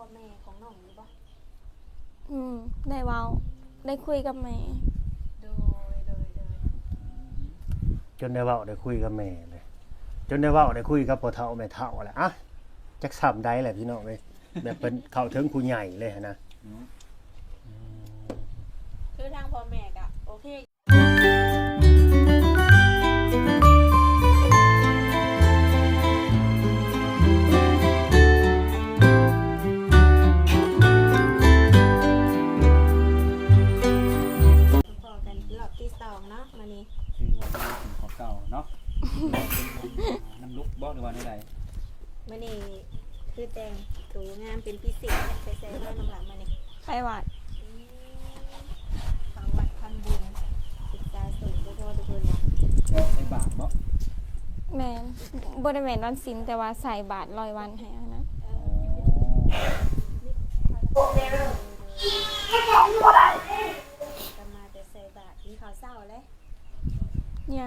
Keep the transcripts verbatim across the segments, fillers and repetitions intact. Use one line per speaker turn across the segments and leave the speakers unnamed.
แม่ของน้องอยู่บ่
อืมได้เว้าได้คุยกับแม่
โดยโดยโดย
จนได้เว้าได้คุยกับแม่เลยจนได้เว้าได้คุยกับพ่อเฒ่าแม่เฒ่าแหละอ่ะจักซ้ำได้แหละพี่น้องเอ้ยแบบเป็นเข้าถึงผู้ใหญ่เลยนะ
คือทางพ่อแม่ก็โอเคพอกันรอบที่สองเนาะมื้อนี้
คือว่าเป็นของเก่าเนาะน้ำลุกบ่หรือว่าใด
มื้อนี้คือแต่งตัวงามเป็นพิเศษไปใส่มาน้ำหลังมื้อนี้
ไปวัด
ฟังวัดทำบุญศึกษาสูงทุกคนทุกคนนะ
ใส่บาทบ่
แม่นบ่ได้แม่นวันศีลแต่ว่าใส่บาตรร้อยวันให้อันนั้น
จะมาแต่ใส่บาตรที่เขาเศร้าเลย
ยัง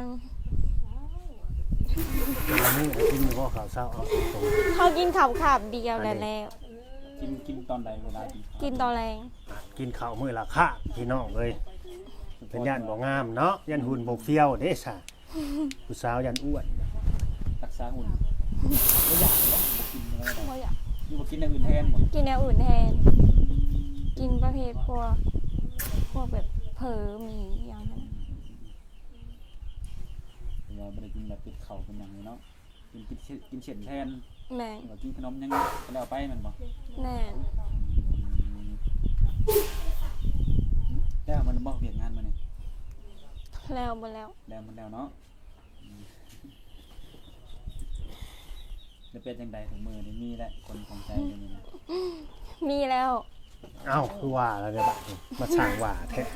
แต่ละมื้อกินอยู่บ่ข้าวเช้าเอาตรง
เขากินข้าวขาบเดียวแล้วแล้ว
กินกินตอนใดเวลากิน
กินตอนแรง
กินข้าวมื้อละค่ะพี่น้องเอ้ยเป็นย่านบ่งามเนาะย่านหุ่นบ่เฟี้ยวเด้ซะผู้สาวย่านอ้วน
รักษาหุ่นบ่อยากบ่บ่กินอะไร
บ่อยาก
นี่บ่กินอย่างอื่นแทนบ่
กินแนวอื่นแทนกินประเภทพวกพวกแบบเผลอหมีอย่างนั้น
แต่ว่าบ่ได้กินแบบเป็ดเข่าเป็นอย่างนี้เนาะกินกินกินเฉ็ดแทน
แม่น
หรือว่ากินขนมยังก็แล้วไปมันบ่
แน่น
แล้วมันบ่เวียกงานมื้อนี้
แล้วบ่แล้ว
แล้วมันแล้วเนาะแล้วเป็นจังไดถึงมื้อนี้มีแล้วคนของใจเดี๋ยวนี้นะ
มีแล้ว
เอ้าคือว่าแล้วเด้อบัดนี้มาสร้างว่าแท้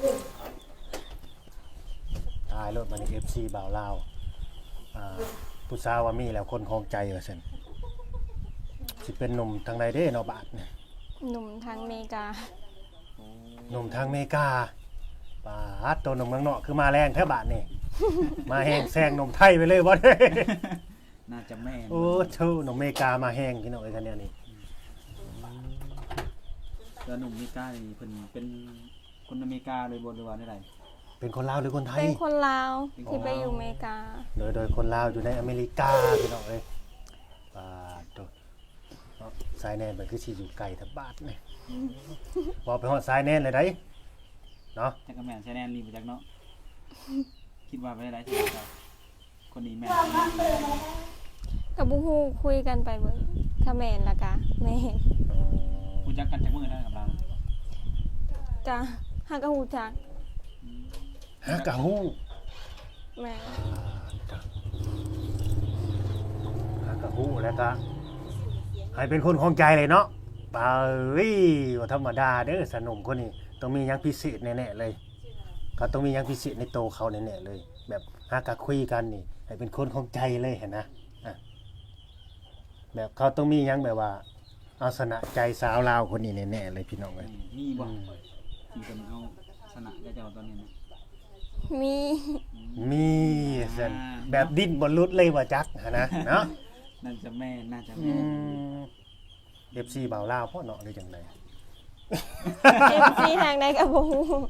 ตายรถมานี่ เอฟ ซี บ่าวลาวอ่าผู้สาวว่ามีแล้วคนครองใจว่าซั่นสิเป็นหนุ่มทางใดเด้เนาะบาดเนี่ย
หนุ่มทางอเมริกา
หนุ่มทางอเมริกาปาดตัวหนุ่มเมืองนอกคือมาแรงแท้บาดนี่ มาแห้งแซงหนุ่มไทยไปเลยบ่ได้
น่าจะแม่น
โอ้เท่าหนุ่มอเมริกามาแห้งพี่น้องเอ้ยคันแนวนี้
แล้วหนุ่มอเมริกานี่เพิ่นเป็นคนอเมริกาเลยบ่หรือว่าได้ใด
เป็นคนลาวหรือคนไทย
เป็นคนลาวที่ไปอยู่อเมริกา
โดยโดยคนลาวอยู่ในอเมริกาพี่น้องเอ้ยปาดตัวเนาะสายแน่นมันคือสิอยู่ไกลทับบาดนี่บ่ไปฮอดสายแน่นเลยได้เนาะ
จักก็แม่นใช่แน่นรีบ่จักเนาะคิดว่าไปได้ใช่ไหมครับคนนี้แม่น
กับบุฮูคุยกันไปเบิ่งถ้าแม่นละกะแม่น
รู้จักกันจากมื้อได้กับเรา
กะฮักกะฮู้จัก
ฮะกะฮู้
แม่น
ฮะกะฮู้แล้วก็ให้เป็นคนของใจเลยเนาะปาเอ้ยว่าธรรมดาเด้อสนมคนนี้ต้องมีหยังพิเศษแน่ๆเลยเขาต้องมีหยังพิเศษในโตวเขาแน่ๆเลย แบบหากะคุยกันนี่ให้เป็นคนของใจเลยเห็นนะอ่ะแบบเขาต้องมีหยังแบบว่าเอาชนะใจสาวลาวคนนี้แน่ๆเลยพี่น้องเอ้ย
มีบ่ที่เพิ่นเอาชนะเจ้าตอนนี้นะ
มี
มีซั่นแบบดิ้นบ่หลุดเลยว่าจักหันนะเนาะ
น่าจะแม่นน่าจะ
อื
แม่น
ม เอฟ ซี บ่าวลาวพ่อเนาะหรือจังได
เอฟซีทางใดกับบุฮู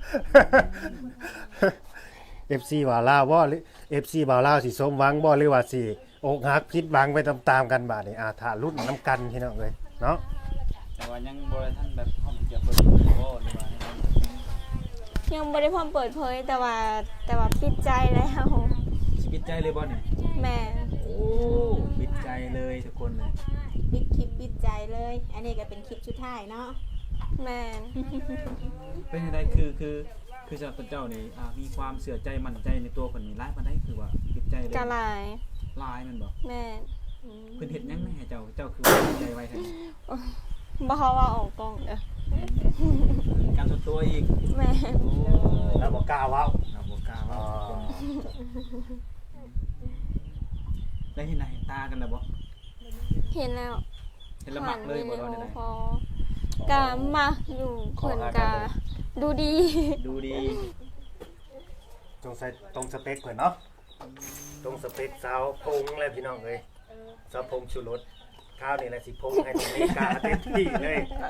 เอฟ ซี บ่าวลาวบ่หรือ เอฟ ซี บ่าวลาวสิสมหวังบ่หรือว่าสิอกหักผิดหวังไปตามๆกันบาดนี้อ่าถ้าลุ้นนํกันพี่น้องเอ้ยเนาะ
แต่ว่ายังบ่ได้ทันแบบพร้อมที่จะเปิดโอ้หรือว่าให้มัน
ยังบ่ได้พร้อมเปิดเผยแต่ว่าแต่ว่าปิดใจแล้ว
สิปิดใจเลยบ่เนี่ย
แม่น
โอ้ปิดใจเลยทุกคนเลย
ปิดคลิปปิดใจเลย อันนี้ก็เป็นคลิปชุดท้ายเนาะ
แม่น
เป็นจังไดคือคือคือสำหรับเจ้านี่อ่ามีความเชื่อใจมั่นใจในตัวคนนี้หลายปานใดคือว่าปิดใจเลย
กะหลาย
หลายแมันบ่
แม่น
อืม
เพิ่นเฮ็ดหยังให้เจ้าเจ้าคือปิดใจไว้ซั่น
บ่เฮาว่าออกกล้องเด้อ
การส่วนตัวอีก
แม่น
โอ้
แล้วบ่กล้าเว้า
เราบ่กล้า
อ๋
ว่า
อ
ได้เห็นหน้าเห็นตากันแล้วบ่
เห็นแล้ว
เห็นและมักเลยบ่
ผ่าน
ได้
วิดี
ได้
โอคอลกะมาอยู่เพิ่นกะดูดี
ดูดี
จงใส่ตรงสเปคเพิ่นเนาะตรงสเปคสาวพงเลยพี่น้องเอ้ยสาวพงชูรสข้าวนี่แหละสิพงให้ตรงนี้กาเต็มที่เลย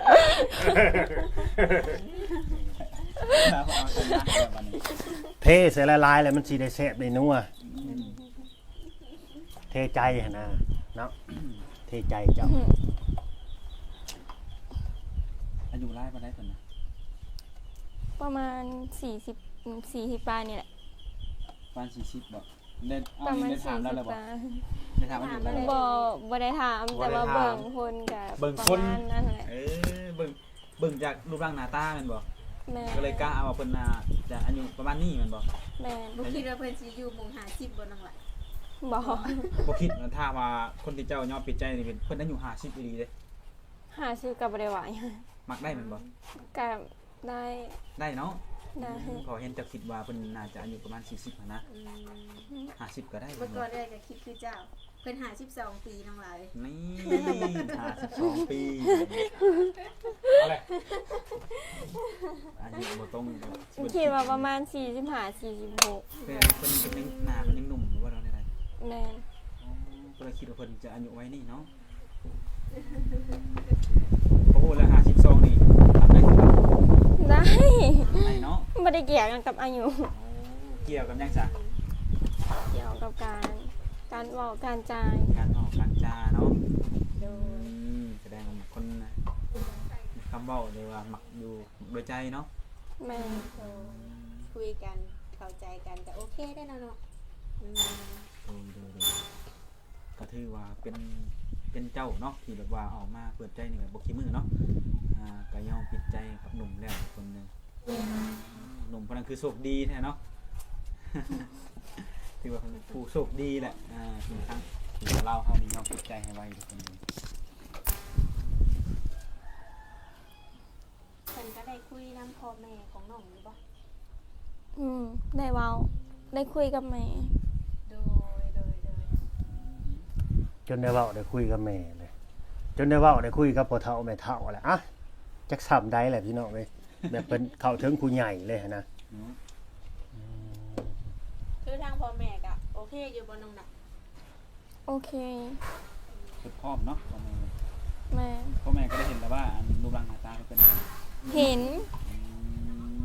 ครับเอาชนะแบบวันนี้
เทใส่ละลายแล้วมันสิได้แซ่บได้นัวเทใจหั่นนะเนาะเทใจเจ้า
อายุไล่มาได้คนนะ
ประมาณสี่สิบสี่สิบปลายนี่แหละ
ประมาณสี่สิบบ่ได้เอา
ประมาณ
ได้
สี่
ถามแล้ว
สิ
เลย
บ
บ่
ปลาย
ได้ถามอายุแล้วเลย
บ่บ่ได้ถามแต่ว่าเบิ่งคนกับ
เบิ่ง
ประ
คน
มาณนั้นแหละ
เออเบิ่งเบิ่งจากรูปร่างหน้าตาแม่นบ่
แม่
ก็เลยกล้าเอาว่าเพิ่นน่าจะอายุประมาณนี้แม่นบ่
แม่
บ่คิดว่าเพิ่นสิอยู่หมู่ห้าสิบบ่น้องหล่ะ
บ่
บ่คิดว่าถ้าว่าคนที่เจ้ายอมปิดใจนี่เป็นเพิ่นอายุห้าสิบอีหลีเด้
หาซื้อกับบ่ได้ไหว
มักได้แม่นบ่
กับได้
ได้เนาะ
ได้
พอเห็นเจะคิดว่าเพิ่นน่าจะอายุประมาณสี่สิบหั้นนะ
อืม
ห้าสิบก็ได้
เมื่อก่อนได้ก็คิดคือเจ้าเพิ่นห้าสิบสองปีน้องหล่ะ
นี่ห้าสิบสองปีอะไรอายุบ่ตรงกับ
คิดว่าประมาณสี่สิบห้า สี่สิบหก
เพิ่นเพิ่นเพิ่นยังหน้าเพิ่นยังหนุ่มอยู่ว่าเราได้ไร
แม่น
อ๋อก็เลยคิดว่าเพิ่นจะอายุไว้นี่เนาะโอ้โหแล้วห้าสิบสองนี่ทำได้หรือเปล่า
ได้
ได้เนาะ
บ่ได้เกี่ยวกันกับอายุ
โอ้เกี่ยวกับยังจ้ะ
เกี่ยวกับการการเว้าการจ่าย
การออกการจาเนาะ
โด
อื
ย
มแสดงว่าคนน่ะมีคำเว้าเลยว่ามักอยู่โดยใจเนาะ
แม่น
โดยคุยกันเข้าใจกันก็โอเคได้แล้วเนาะอืม
โดยโดยโดยก็ถือว่าเป็นเป็นเจ้าเนาะที่แบบว่าออกมาเปิดใจนี่ก็บ่ขี้มือเนาะอ่าก็ยอมปิดใจกับหนุ่มแล้วคนหนึงหนุ่มคนนั้นคือโชคดีแท้เนาะ ถือว่าเป็นผู้โชคดีแหละอ่าที่ทั้งที่ว่าเราเฮานี่ยอมปิดใจให้ไว้คนหนึง
เพิ่นก็ได้คุยนำพ่อแม่ของน้องอยู่บ่
อืมได้เว้าได้คุยกับแม่
โดยโดยโดย
จนได้เว้าได้คุยกับแม่เลยจนได้เว้าได้คุยกับพ่อเฒ่าแม่เฒ่าแหละอ่ะจักซ้ำได้แหละพี่น้องเอ้ยแบบเป็นเข้าถึงผู้ใหญ่เลยหั่นนะ
เนาะ
คือทางพ่อแม่ก็โอเคอยู่บ่น้องน่ะ
โอเค
คือพร้อมเนาะพ่อแม่
แม่
พ่อแม่ก็ได้เห็นแล้วว่าอันรูปร่างหน้าตาเขาเป็นยังไง
เห็น
อืม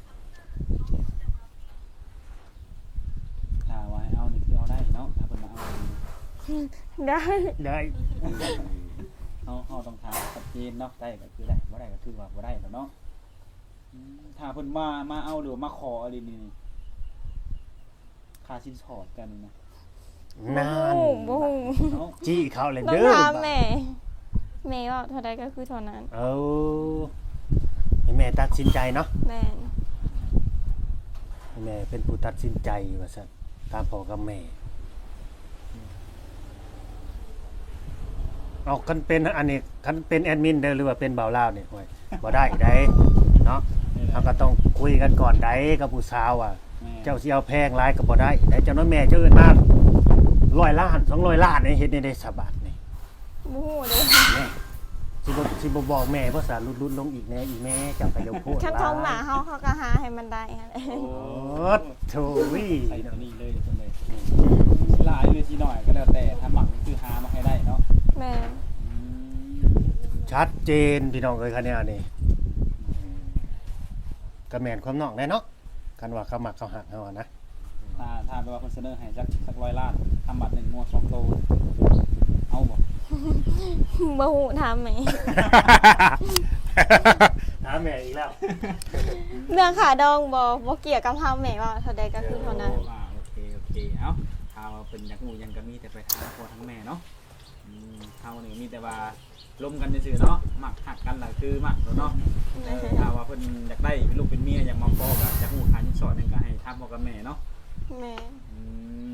ถ้าว่าให้เอานี่คือเอาได้เนาะถ้าเพิ่นมาเอานี่
ได้
ได้
เฮาเฮาต้องถามชัดเจนเนาะได้ก็คือได้บ่ได้ก็คือว่าบ่ได้แล้วเนาะอืมถ้าเพิ่นมามาเอาหรือว่ามาขออะไรนี่นี่ค่าสินสอดกันนี่นะ
นาน
บ่ฮู้
เนาะ
จี้เขาเลย
ต้อง
เด้อ
ถามแม่แม่ว่าเท่าใดก็คือเท่านั้น
เอาให้แม่ตัดสินใจเนาะ
แม่น
ให้แม่เป็นผู้ตัดสินใจว่าซั่นตามพ่อกับแม่เอาคันเป็นอันนี้คันเป็นแอดมินเด้อหรือว่าเป็นบ่าวลาวนี่โอ้ยบ่ได้ได้เนาะเราก็ต้องคุยกันก่อนได้กับผู้สาวอ่ะ
แม่
เจ้าสิเอาแพงหลายก็บ่ได้ได้เจ้าน้อยแม่เจ้าเอิ้นมาร้อยล้านสองร้อยล้านนี่เฮ็ดได้ได้สบายนี่
บ่ฮู้เด้
แม่สิบ่สิบ่บอกแม่ภาษาลุดๆลงอีกแน่อีแม่เจ้าก็อย่าพูด
คันทองหมาเฮาเขาก็หาให้มันได้หั่นแหละ
โอ้
โอ้โธ่วิ
ใส่ตัวนี้เลยเดี๋ยวเพิ่นเลยสิหลายหรือสิน้อยก็แล้วแต่ถ้าหมักนี่คือหามาให้ได้เนาะ
แม่น
อืม
ชัดเจนพี่น้องเอ้ยคันนี้อันนี้ก็แม่นความน้องแน่เนาะคันว่าเขามักเขาหักเฮาอะนะ
ถ้าถ้าแปลว่าเพิ่นเสนอให้สักสักร้อยล้านทำบัตรหนึ่งงวดสองโตเอาบ่
บ่ฮู้ถามแม่
ถามแม่อีกแล้ว
เรื่องขาดองบ่บ่เกี่ยวกับเฮาแม่ว่าเท่าใดก็คือเท่านั้น
อ่าโอเคโอเคเอ้าถ้าว่าเพิ่นอยากรู้หยังก็มีแต่ไปถามพ่อทั้งแม่เนาะอืมเฮานี่มีแต่ว่าลมกันซื่อๆเนาะมักหักกันล่ะคือมักแล้วเนาะเออถ้าว่าเพิ่นอยากได้เป็นลูกเป็นเมียอยากมาพ้อก็อยากรู้หาสินสอดหนึงก็ให้ถามพ่อกับแม่เนาะ
แม่
อืม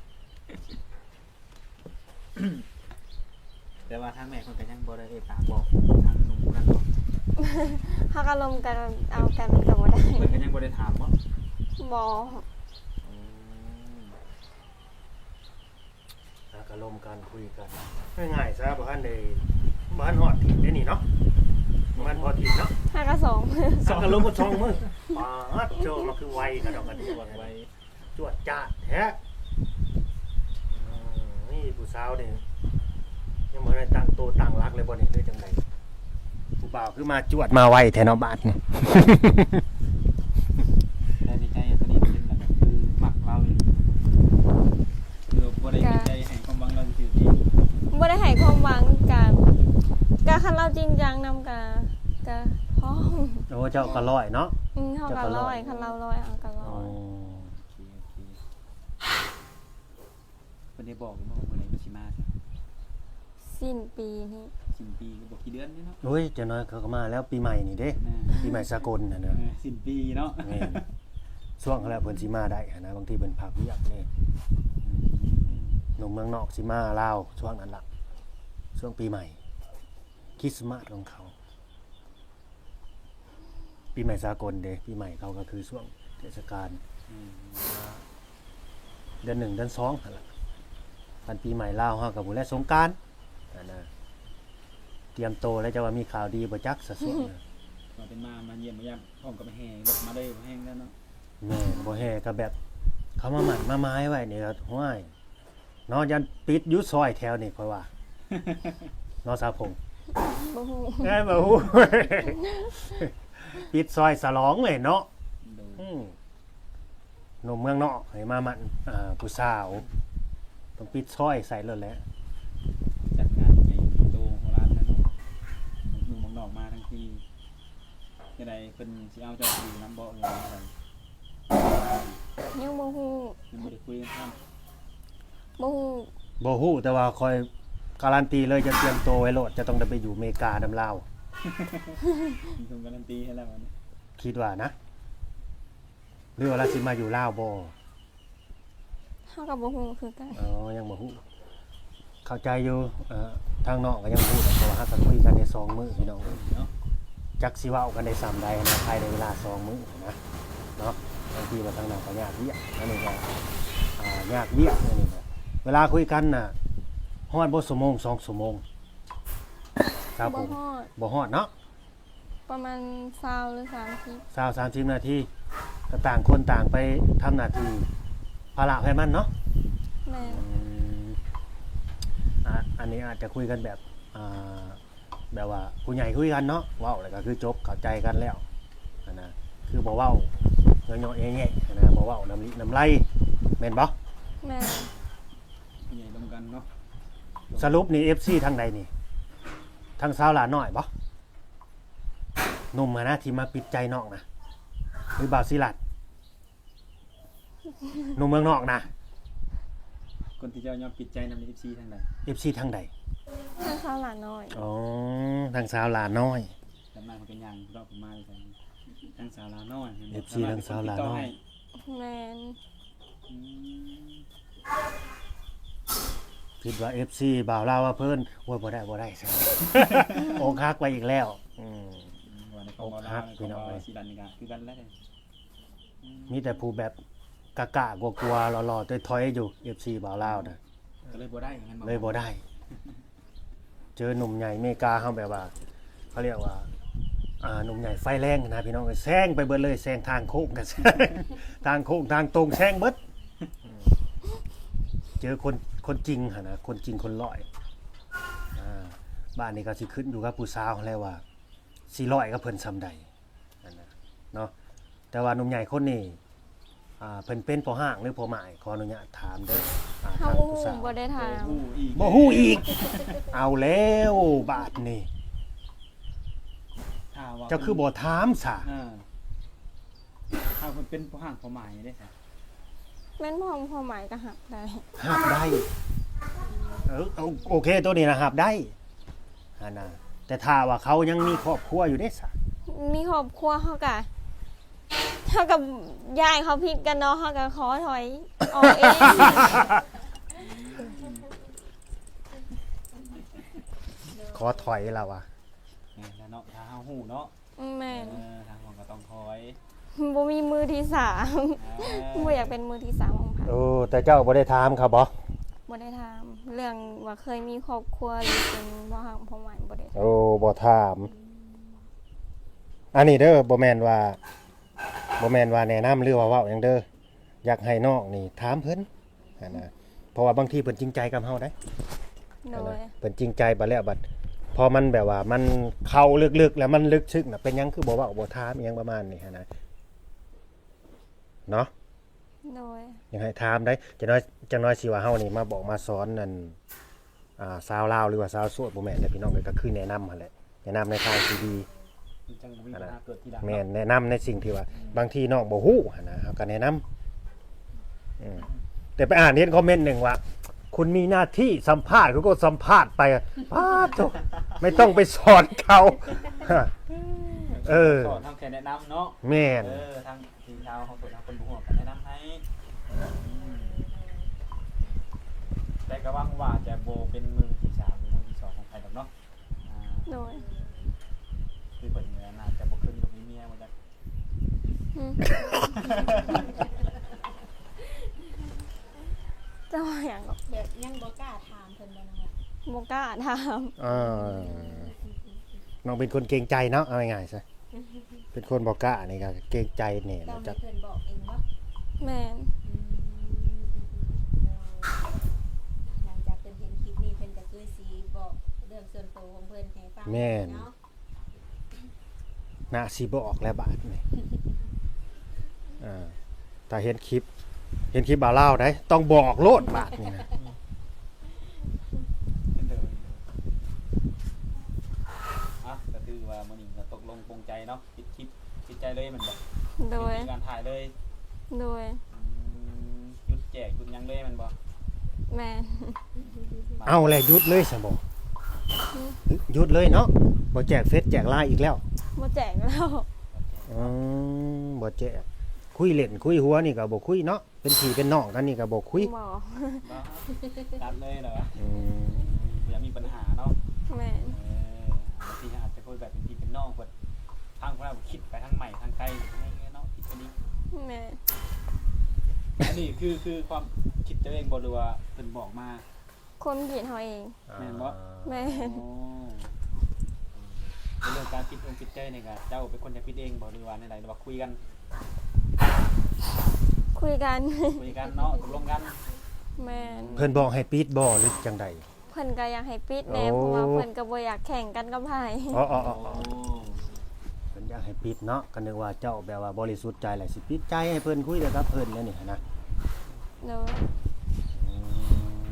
แต่ว่าทางแม่คนก็ยังบ่ได้เอ่ยปากบอกทางหนุ่มคนนั้นเนาะ
เฮาก็ลมกันเอากันก็บ่ได้
เพิ่นก็ยังบ่ได้ถามบ่
บ่
อืม
แล้วก็ลมกันคุยกันง่ายๆซะบ่ทันได้บ่ทันฮอดถิ่นได้นี่เนาะบ่ทันพอถิ่นเนาะ
ห้าก็สอง
สักก็ลมบ่ชองมึงปาดโจมันคือไวกระดอกกระเดี่ยว
วางไว้
จวดจ้าดแท้อืมนี่ผู้สาวนี่ยังบ่ได้ตั้งโตวตั้งรักเลยบ่นี่หรือจังไดผู้บ่าวคือมาจวดมาไวแท้เนาะบาดนี่
ได้ในใจตอนนี้เป็นแบบคือมักเราเลยคือบ่ได้ในใจให้ความหวังเราซื่อที่
บ่ได้ให้ความหวังกับกะคันเราจริงจังนำกะกะพร้อม
โอ้เจ้าก็ร้อยเนาะ
อืมเฮาก็ร้อยคันเราร้อยเอาก็ร้
อ๋
อ
อย
เพิ่นได้บอกอยู่ว่าเมื่อไหร่มันสิมา
สิ้นปีนี้
สิ้นปีก็บอกกี่เดือนนี่เนาะ
โอ้ยเจ้าน้อยเขาก็มาแล้วปีใหม่นี่เด้
อ่า
ปีใหม่สากลน่ะ
เอ
เนาะ
อสิ้นปีเนาะ
แม่นช่วงเขาแล้วเพิ่นสิมาได้หั้นนะบางทีเพิ่นพักเวียกนี่หนุ่มเมืองนอกสิมาลาวช่วงนั้นล่ะช่วงปีใหม่คริสต์มาสของเขา ปีใหม่สากลเด้ปีใหม่เขาก็คือช่วงเทศกาล
อืม
เดือนหนึ่งเดือนสองนั่นล่ะปันปีใหม่ลาวเฮากับบุญและสงกรานต์นั่นนะเตรียมโตแล้วจะว่ามีข่าวดีบ่จักสะสวงนะ
ก็เป็นมามาเยี่ยมมายามพร้อมกับแห่รถมาเลยบ่แห้งแล้วเนาะ
แม่นบ่แห่ก็แบบ เขามาหมั่นมาไม้ไว้นี่ก็ห้วยเนอนยันปิดอยุซอยแถวนี่ค่อยว่า เนอสาวพงษ์
บ่ฮู้
เอ้ยบ่ฮู้ ปิดซอยสลองเลยเนาะ
โดย
อืมหนุ่มเมืองนอกให้มาหมั่นอ่าผู้สาวต้องปิดซอยใส่เลยแหละ
จัดงานใหญ่โตโหฬารแล้วเนาะหนุ่มเมืองนอกมาทั้งทีจังไดเพิ่นสิเอาเจ้าไปอยู่นํบ่หรือว่าอะไร
ยังบ่ฮู้
ยังบ่ได้คุยกันครับ
บ่ฮู้
บ่ฮู้แต่ว่าคอยการันตีเลยจะเตรียมตัวไว้โลดจะต้องได้ไปอยู่อเมริกาดำลาว
มีคนการันตีให้แล้ววันนี้
คิดว่านะหรือว่าเราสิมาอยู่ลาวบ่
เฮาก็บ่ฮู้คือกัน
อ๋อยังบ่ฮู้เข้าใจอยู่เอ่อทางนอกก็ยังบ่ฮู้แต่ว่าเราก็คุยกันในสองมื้อพี่น้อง
เนาะ
จักสิเว้ากันได้ซ้ำใดนะภายในเวลาสองมื้อนะเนาะบางทีว่าทางนั้นก็ยากเวียกอันนี้ก็อ่ายากเวียกอันนี้ก็เวลาคุยกันน่ะฮอดบ่ชั่วโมงสองชั่วโมงครับผ
บ่
ม
ฮอด
บ่ฮอดเนาะ
ประมาณยี่สิบหรือสามสิบ
สาวสามสิบนาทีก็ต่างคนต่างไปทำหน้าที่ภาระให้มันเนาะ
แม่น
อืมอ่ะอันนี้อาจจะคุยกันแบบอ่าแบบว่าผู้ใหญ่คุยกันเนาะเว้าแล้วก็คือจบเข้าใจกันแล้วอันนะคือบ่เว้าเงาะๆแง่ๆอันนะบ่เว้าน้ำลิน้ำไหลแม่นบ่
แม่น
ผู้ใหญ่ร่วมกันเนาะ
สรุปนี่ เอฟ ซี ทางใดนี่ทางสาวหลาน้อยบ่หนุ่มอะนะที่มาปิดใจนอกนะหรือบ่าวศิลัดหนุ่มเมืองนอกนะ
คนที่เจ้ายอมปิดใจนำใน เอฟ ซี ทางใด
เอฟ ซี ทางใด
ถ้าเขาหลานน้อย
อ๋อทางสาวหลาน้อย
จำได้มันเป็นอย่างรอบผมมาเลยใส่ทางสาวลาน้อย
เอฟ ซี ทางสาวลาน้อย
แม่น
อืม
คิดว่า เอฟ ซี บ่าวลาวว่าเพิ่นโอ้ยบ่ได้บ่ได้ ใช่ โอกหักไปอีกแล้วอืม
ว่าในของเราในของเราสีดันนี่ก็คือกันแล้วเลย
มีแต่ผู้แบบกะกะกลัวๆหล่อๆถอยๆอยู่ เอฟ ซี บ่าวลาวนะ
ก็เลยบ่ได้งั้น
เลยบ่ได้ เจอหนุ่มใหญ่อเมริกาเฮาแบบว่าเขาเรียกว่าอ่าหนุ่มใหญ่ไฟแรงนะพี่น้องเอ้ยแซงไปเบิดเลยแซงทางโค้งกัน ทางโค้งทางตรงแซงเบิดอืมเจอคนคนจริงหั่นนะคนจริงคนร้อยอ่าบ้านนี้ก็สิขึ้นอยู่กับผู้สาวแล้วว่าสิร้อยกับเพิ่นซำใดนั่นนะเนาะแต่ว่าหนุ่มใหญ่คนนี้อ่าเพิ่นเป็นพ่อห้างหรือพ่อหมายขออนุญาตถามเด้ออ่า
เฮา
ทาง
บ่
ผู้
ฮู้
สาว
บ่ได้ถาม
อีก
บ่ฮู้อีก เอาแล้วบาดนี่เจ้าคือบ่ถามซะ
อ่าถ้ามันเป็นผู้ห่างผู้หมายได้ค่ะ
แม่นพร้อมความหมายก็หักได้
หับได้เออเอาโอเคตัวนี้นะหับได้อันน่ะแต่ถ้าว่าเขายังมีครอบครัวอยู่ได้ซะ
มีครอบครัวเขากะเท่ากับยายเขาผิดกันเนาะเขากะขอถอยออกเอง
ขอถอยแล้วอ่ะ
แล้วเนาะถ้าเฮาฮู้เนาะ
แม่น
เออทางของก็ต้องคอย
บ่มีมือที่สามบ่อยากเป็นมือที่สามของไผ
โอ้แต่เจ้าบ่ได้ถามเขาบ่
บ่ได้ถามเรื่องว่าเคยมีครอบครัวหรือเป็นบ่ฮักพ่อหมายบ่ได้ถาม
โอ้บ่ถาม อันนี้เด้อบ่แม่นว่าบ่แม่นว่าแนะนำหรือว่าเว้าหยังเด้ออยากให้น้องนี่ถามเพิ่นอันน่ะเพราะว่าบางทีเพิ่นจริงใจกับเฮาได้
โดย
เพิ่นจริงใจบัดแล้วบัดพอมันแบบว่ามันเข้าลึกๆแล้วมันลึกซึ้งน่ะเป็นหยังคือบ่เว้าบ่ถามอิหยังประมาณนี้หันนะเนาะ
โดย
ยังให้ถามได้จังน้อยจังน้อยสิว่าเฮานี่มาบอกมาสอนนั่นอ่าชาวลาวหรือว่าชาวโสดบ่แม่นเด้อพี่น้องเอ้ยก็คือแนะนำหั่นแหละแนะนำในทางที่ดี
จังบ่มีปัญหาเกิดทีหลัง
แม่นแนะนำในสิ่งที่ว่าบางทีน้องบ่ฮู้หั่นนะเฮาก็แนะนำอืมแต่ไปอ่านเห็นคอมเมนต์หนึงว่า คุณมีหน้าที่สัมภาษณ์เขาก็สัมภาษณ์ไปป้าโธ่ไม่ต้องไปสอนเขาเออ
สอนทำแค่แนะนำเนาะ
แม่น
เออทางทีมชาวของตัวทางคนบุหัวกันแนะนำให้แต่ก็หวังว่าจะโบเป็นมือที่สามหรือมือที่สองของใครดอกเนาะอ่า
โดย
คือคนนี้น่าจะบ่ขึ้นกับมีเมียมาจาก
อืมเจ้าว่าหยังก็
แบบยังบ่กล้าถามเพิ่นบ่น้องล่ะ
บ่กล้าถาม
เออน้องเป็นคนเกรงใจเนาะเอาง่ายๆซะเป็นคนบ่กล้านี่ก็เกรงใจแน่
เรา
นะ
ให้
จ๊ะ
เพิ่นบอกเองบ่
แม่น
อืมหลังจากเพิ่นเห็นคลิปนี้เพิ่นก็คือสิบอกเรื่องส่วนตัวของเพิ่นให้ฟังเนาะ
น่าสิบ่ออกแล้วบาดนี่อ่าถ้าเห็นคลิป เห็นคลิปบ่าวเล่าวได้ต้องบอกโลดบาดนี่นะ
เป็นเดิมอ่ะก็คือว่ามื้อนี้ก็ตกลงปรงใจเนาะปิดคลิปปิดใจเลยแมันบ่
โดย
มีการถ่ายเลย
โดย
อืมหยุดแจกหยุดหยังเลยแมันบ่
แม่น
เอาแหละหยุดเลยซะบ่หยุดเลยเนาะบ่แจกเฟซแจกไลน์อีกแล้ว
บ่แจกแล้ว
อืมบ่แจกคุยเล่นคุยหัวนี่ก็บ่คุยเนาะเป็นพี่เป็นน้องกันนี่ก็บ่คุย
บ่
บ่ตัดเลยเหรอวะ
อืม
อย่ามีปัญหาเนาะ
แม่น
เออบางทีอาจจะคุยแบบเป็นพี่เป็นน้องเพิ่นทางเราคิดไปทางใหม่ทางไกลให้เนาะคิดอันนี้
แม่น
อันนี้คือคือความคิดตัวเองบ่หรือว่าเพิ่นบอกมา
ความคิดเฮาเอง
แม่นบ่
แม่น
โอ้ในเรื่องการคิดองค์คิดใจนี่ก็เจ้าเป็นคนจะคิดเองบ่หรือว่าในใดหรือว่าคุยกัน
คุยกัน
คุยกันเนาะตกลงกัน
แม่น
เพิ่นบอกให้ปิดบ่หรือจังใด
เพิ่นก็อยากให้ปิดแหน่
โอ้
เพราะว่าเพิ่นก็บ่อยากแข่งกันกับไผ
อ๋ออ๋ออ๋อ
โอ้
เพิ่นอยากให้ปิดเนาะก็นึกว่าเจ้าแบบว่าบริสุทธิ์ใจแหละสิปิดใจให้เพิ่นคุยแต่กับเพิ่นแล้วนี่นะ
โดย
อืม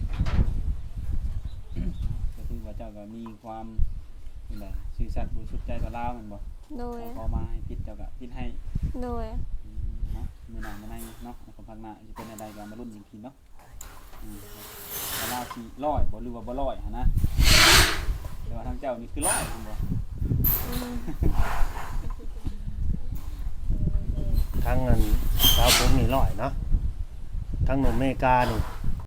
ก็คือว่าเจ้าก็มีความนี่แหละซื่อสัตย์บริสุทธิ์ใจต่อเราแม่นบ่
โดย
พอมาให้พิดเจ้าก็พิดให้
โดย
อืมเนาะมื้อหน้ามื้อในเนาะแล้วก็พักหน้าสิเป็นอะไรก็มาลุ้นอีกทีเนาะอืมว่าเราสิร้อยบ่หรือว่าบ่ร้อยหั่นนะแต่ว่าทางเจ้านี่คือร้อยหั่นบ่
อืม
ทั้งอันสาวผมนี่ร้อยเนาะทั้งหนุ่มอเมริกานี่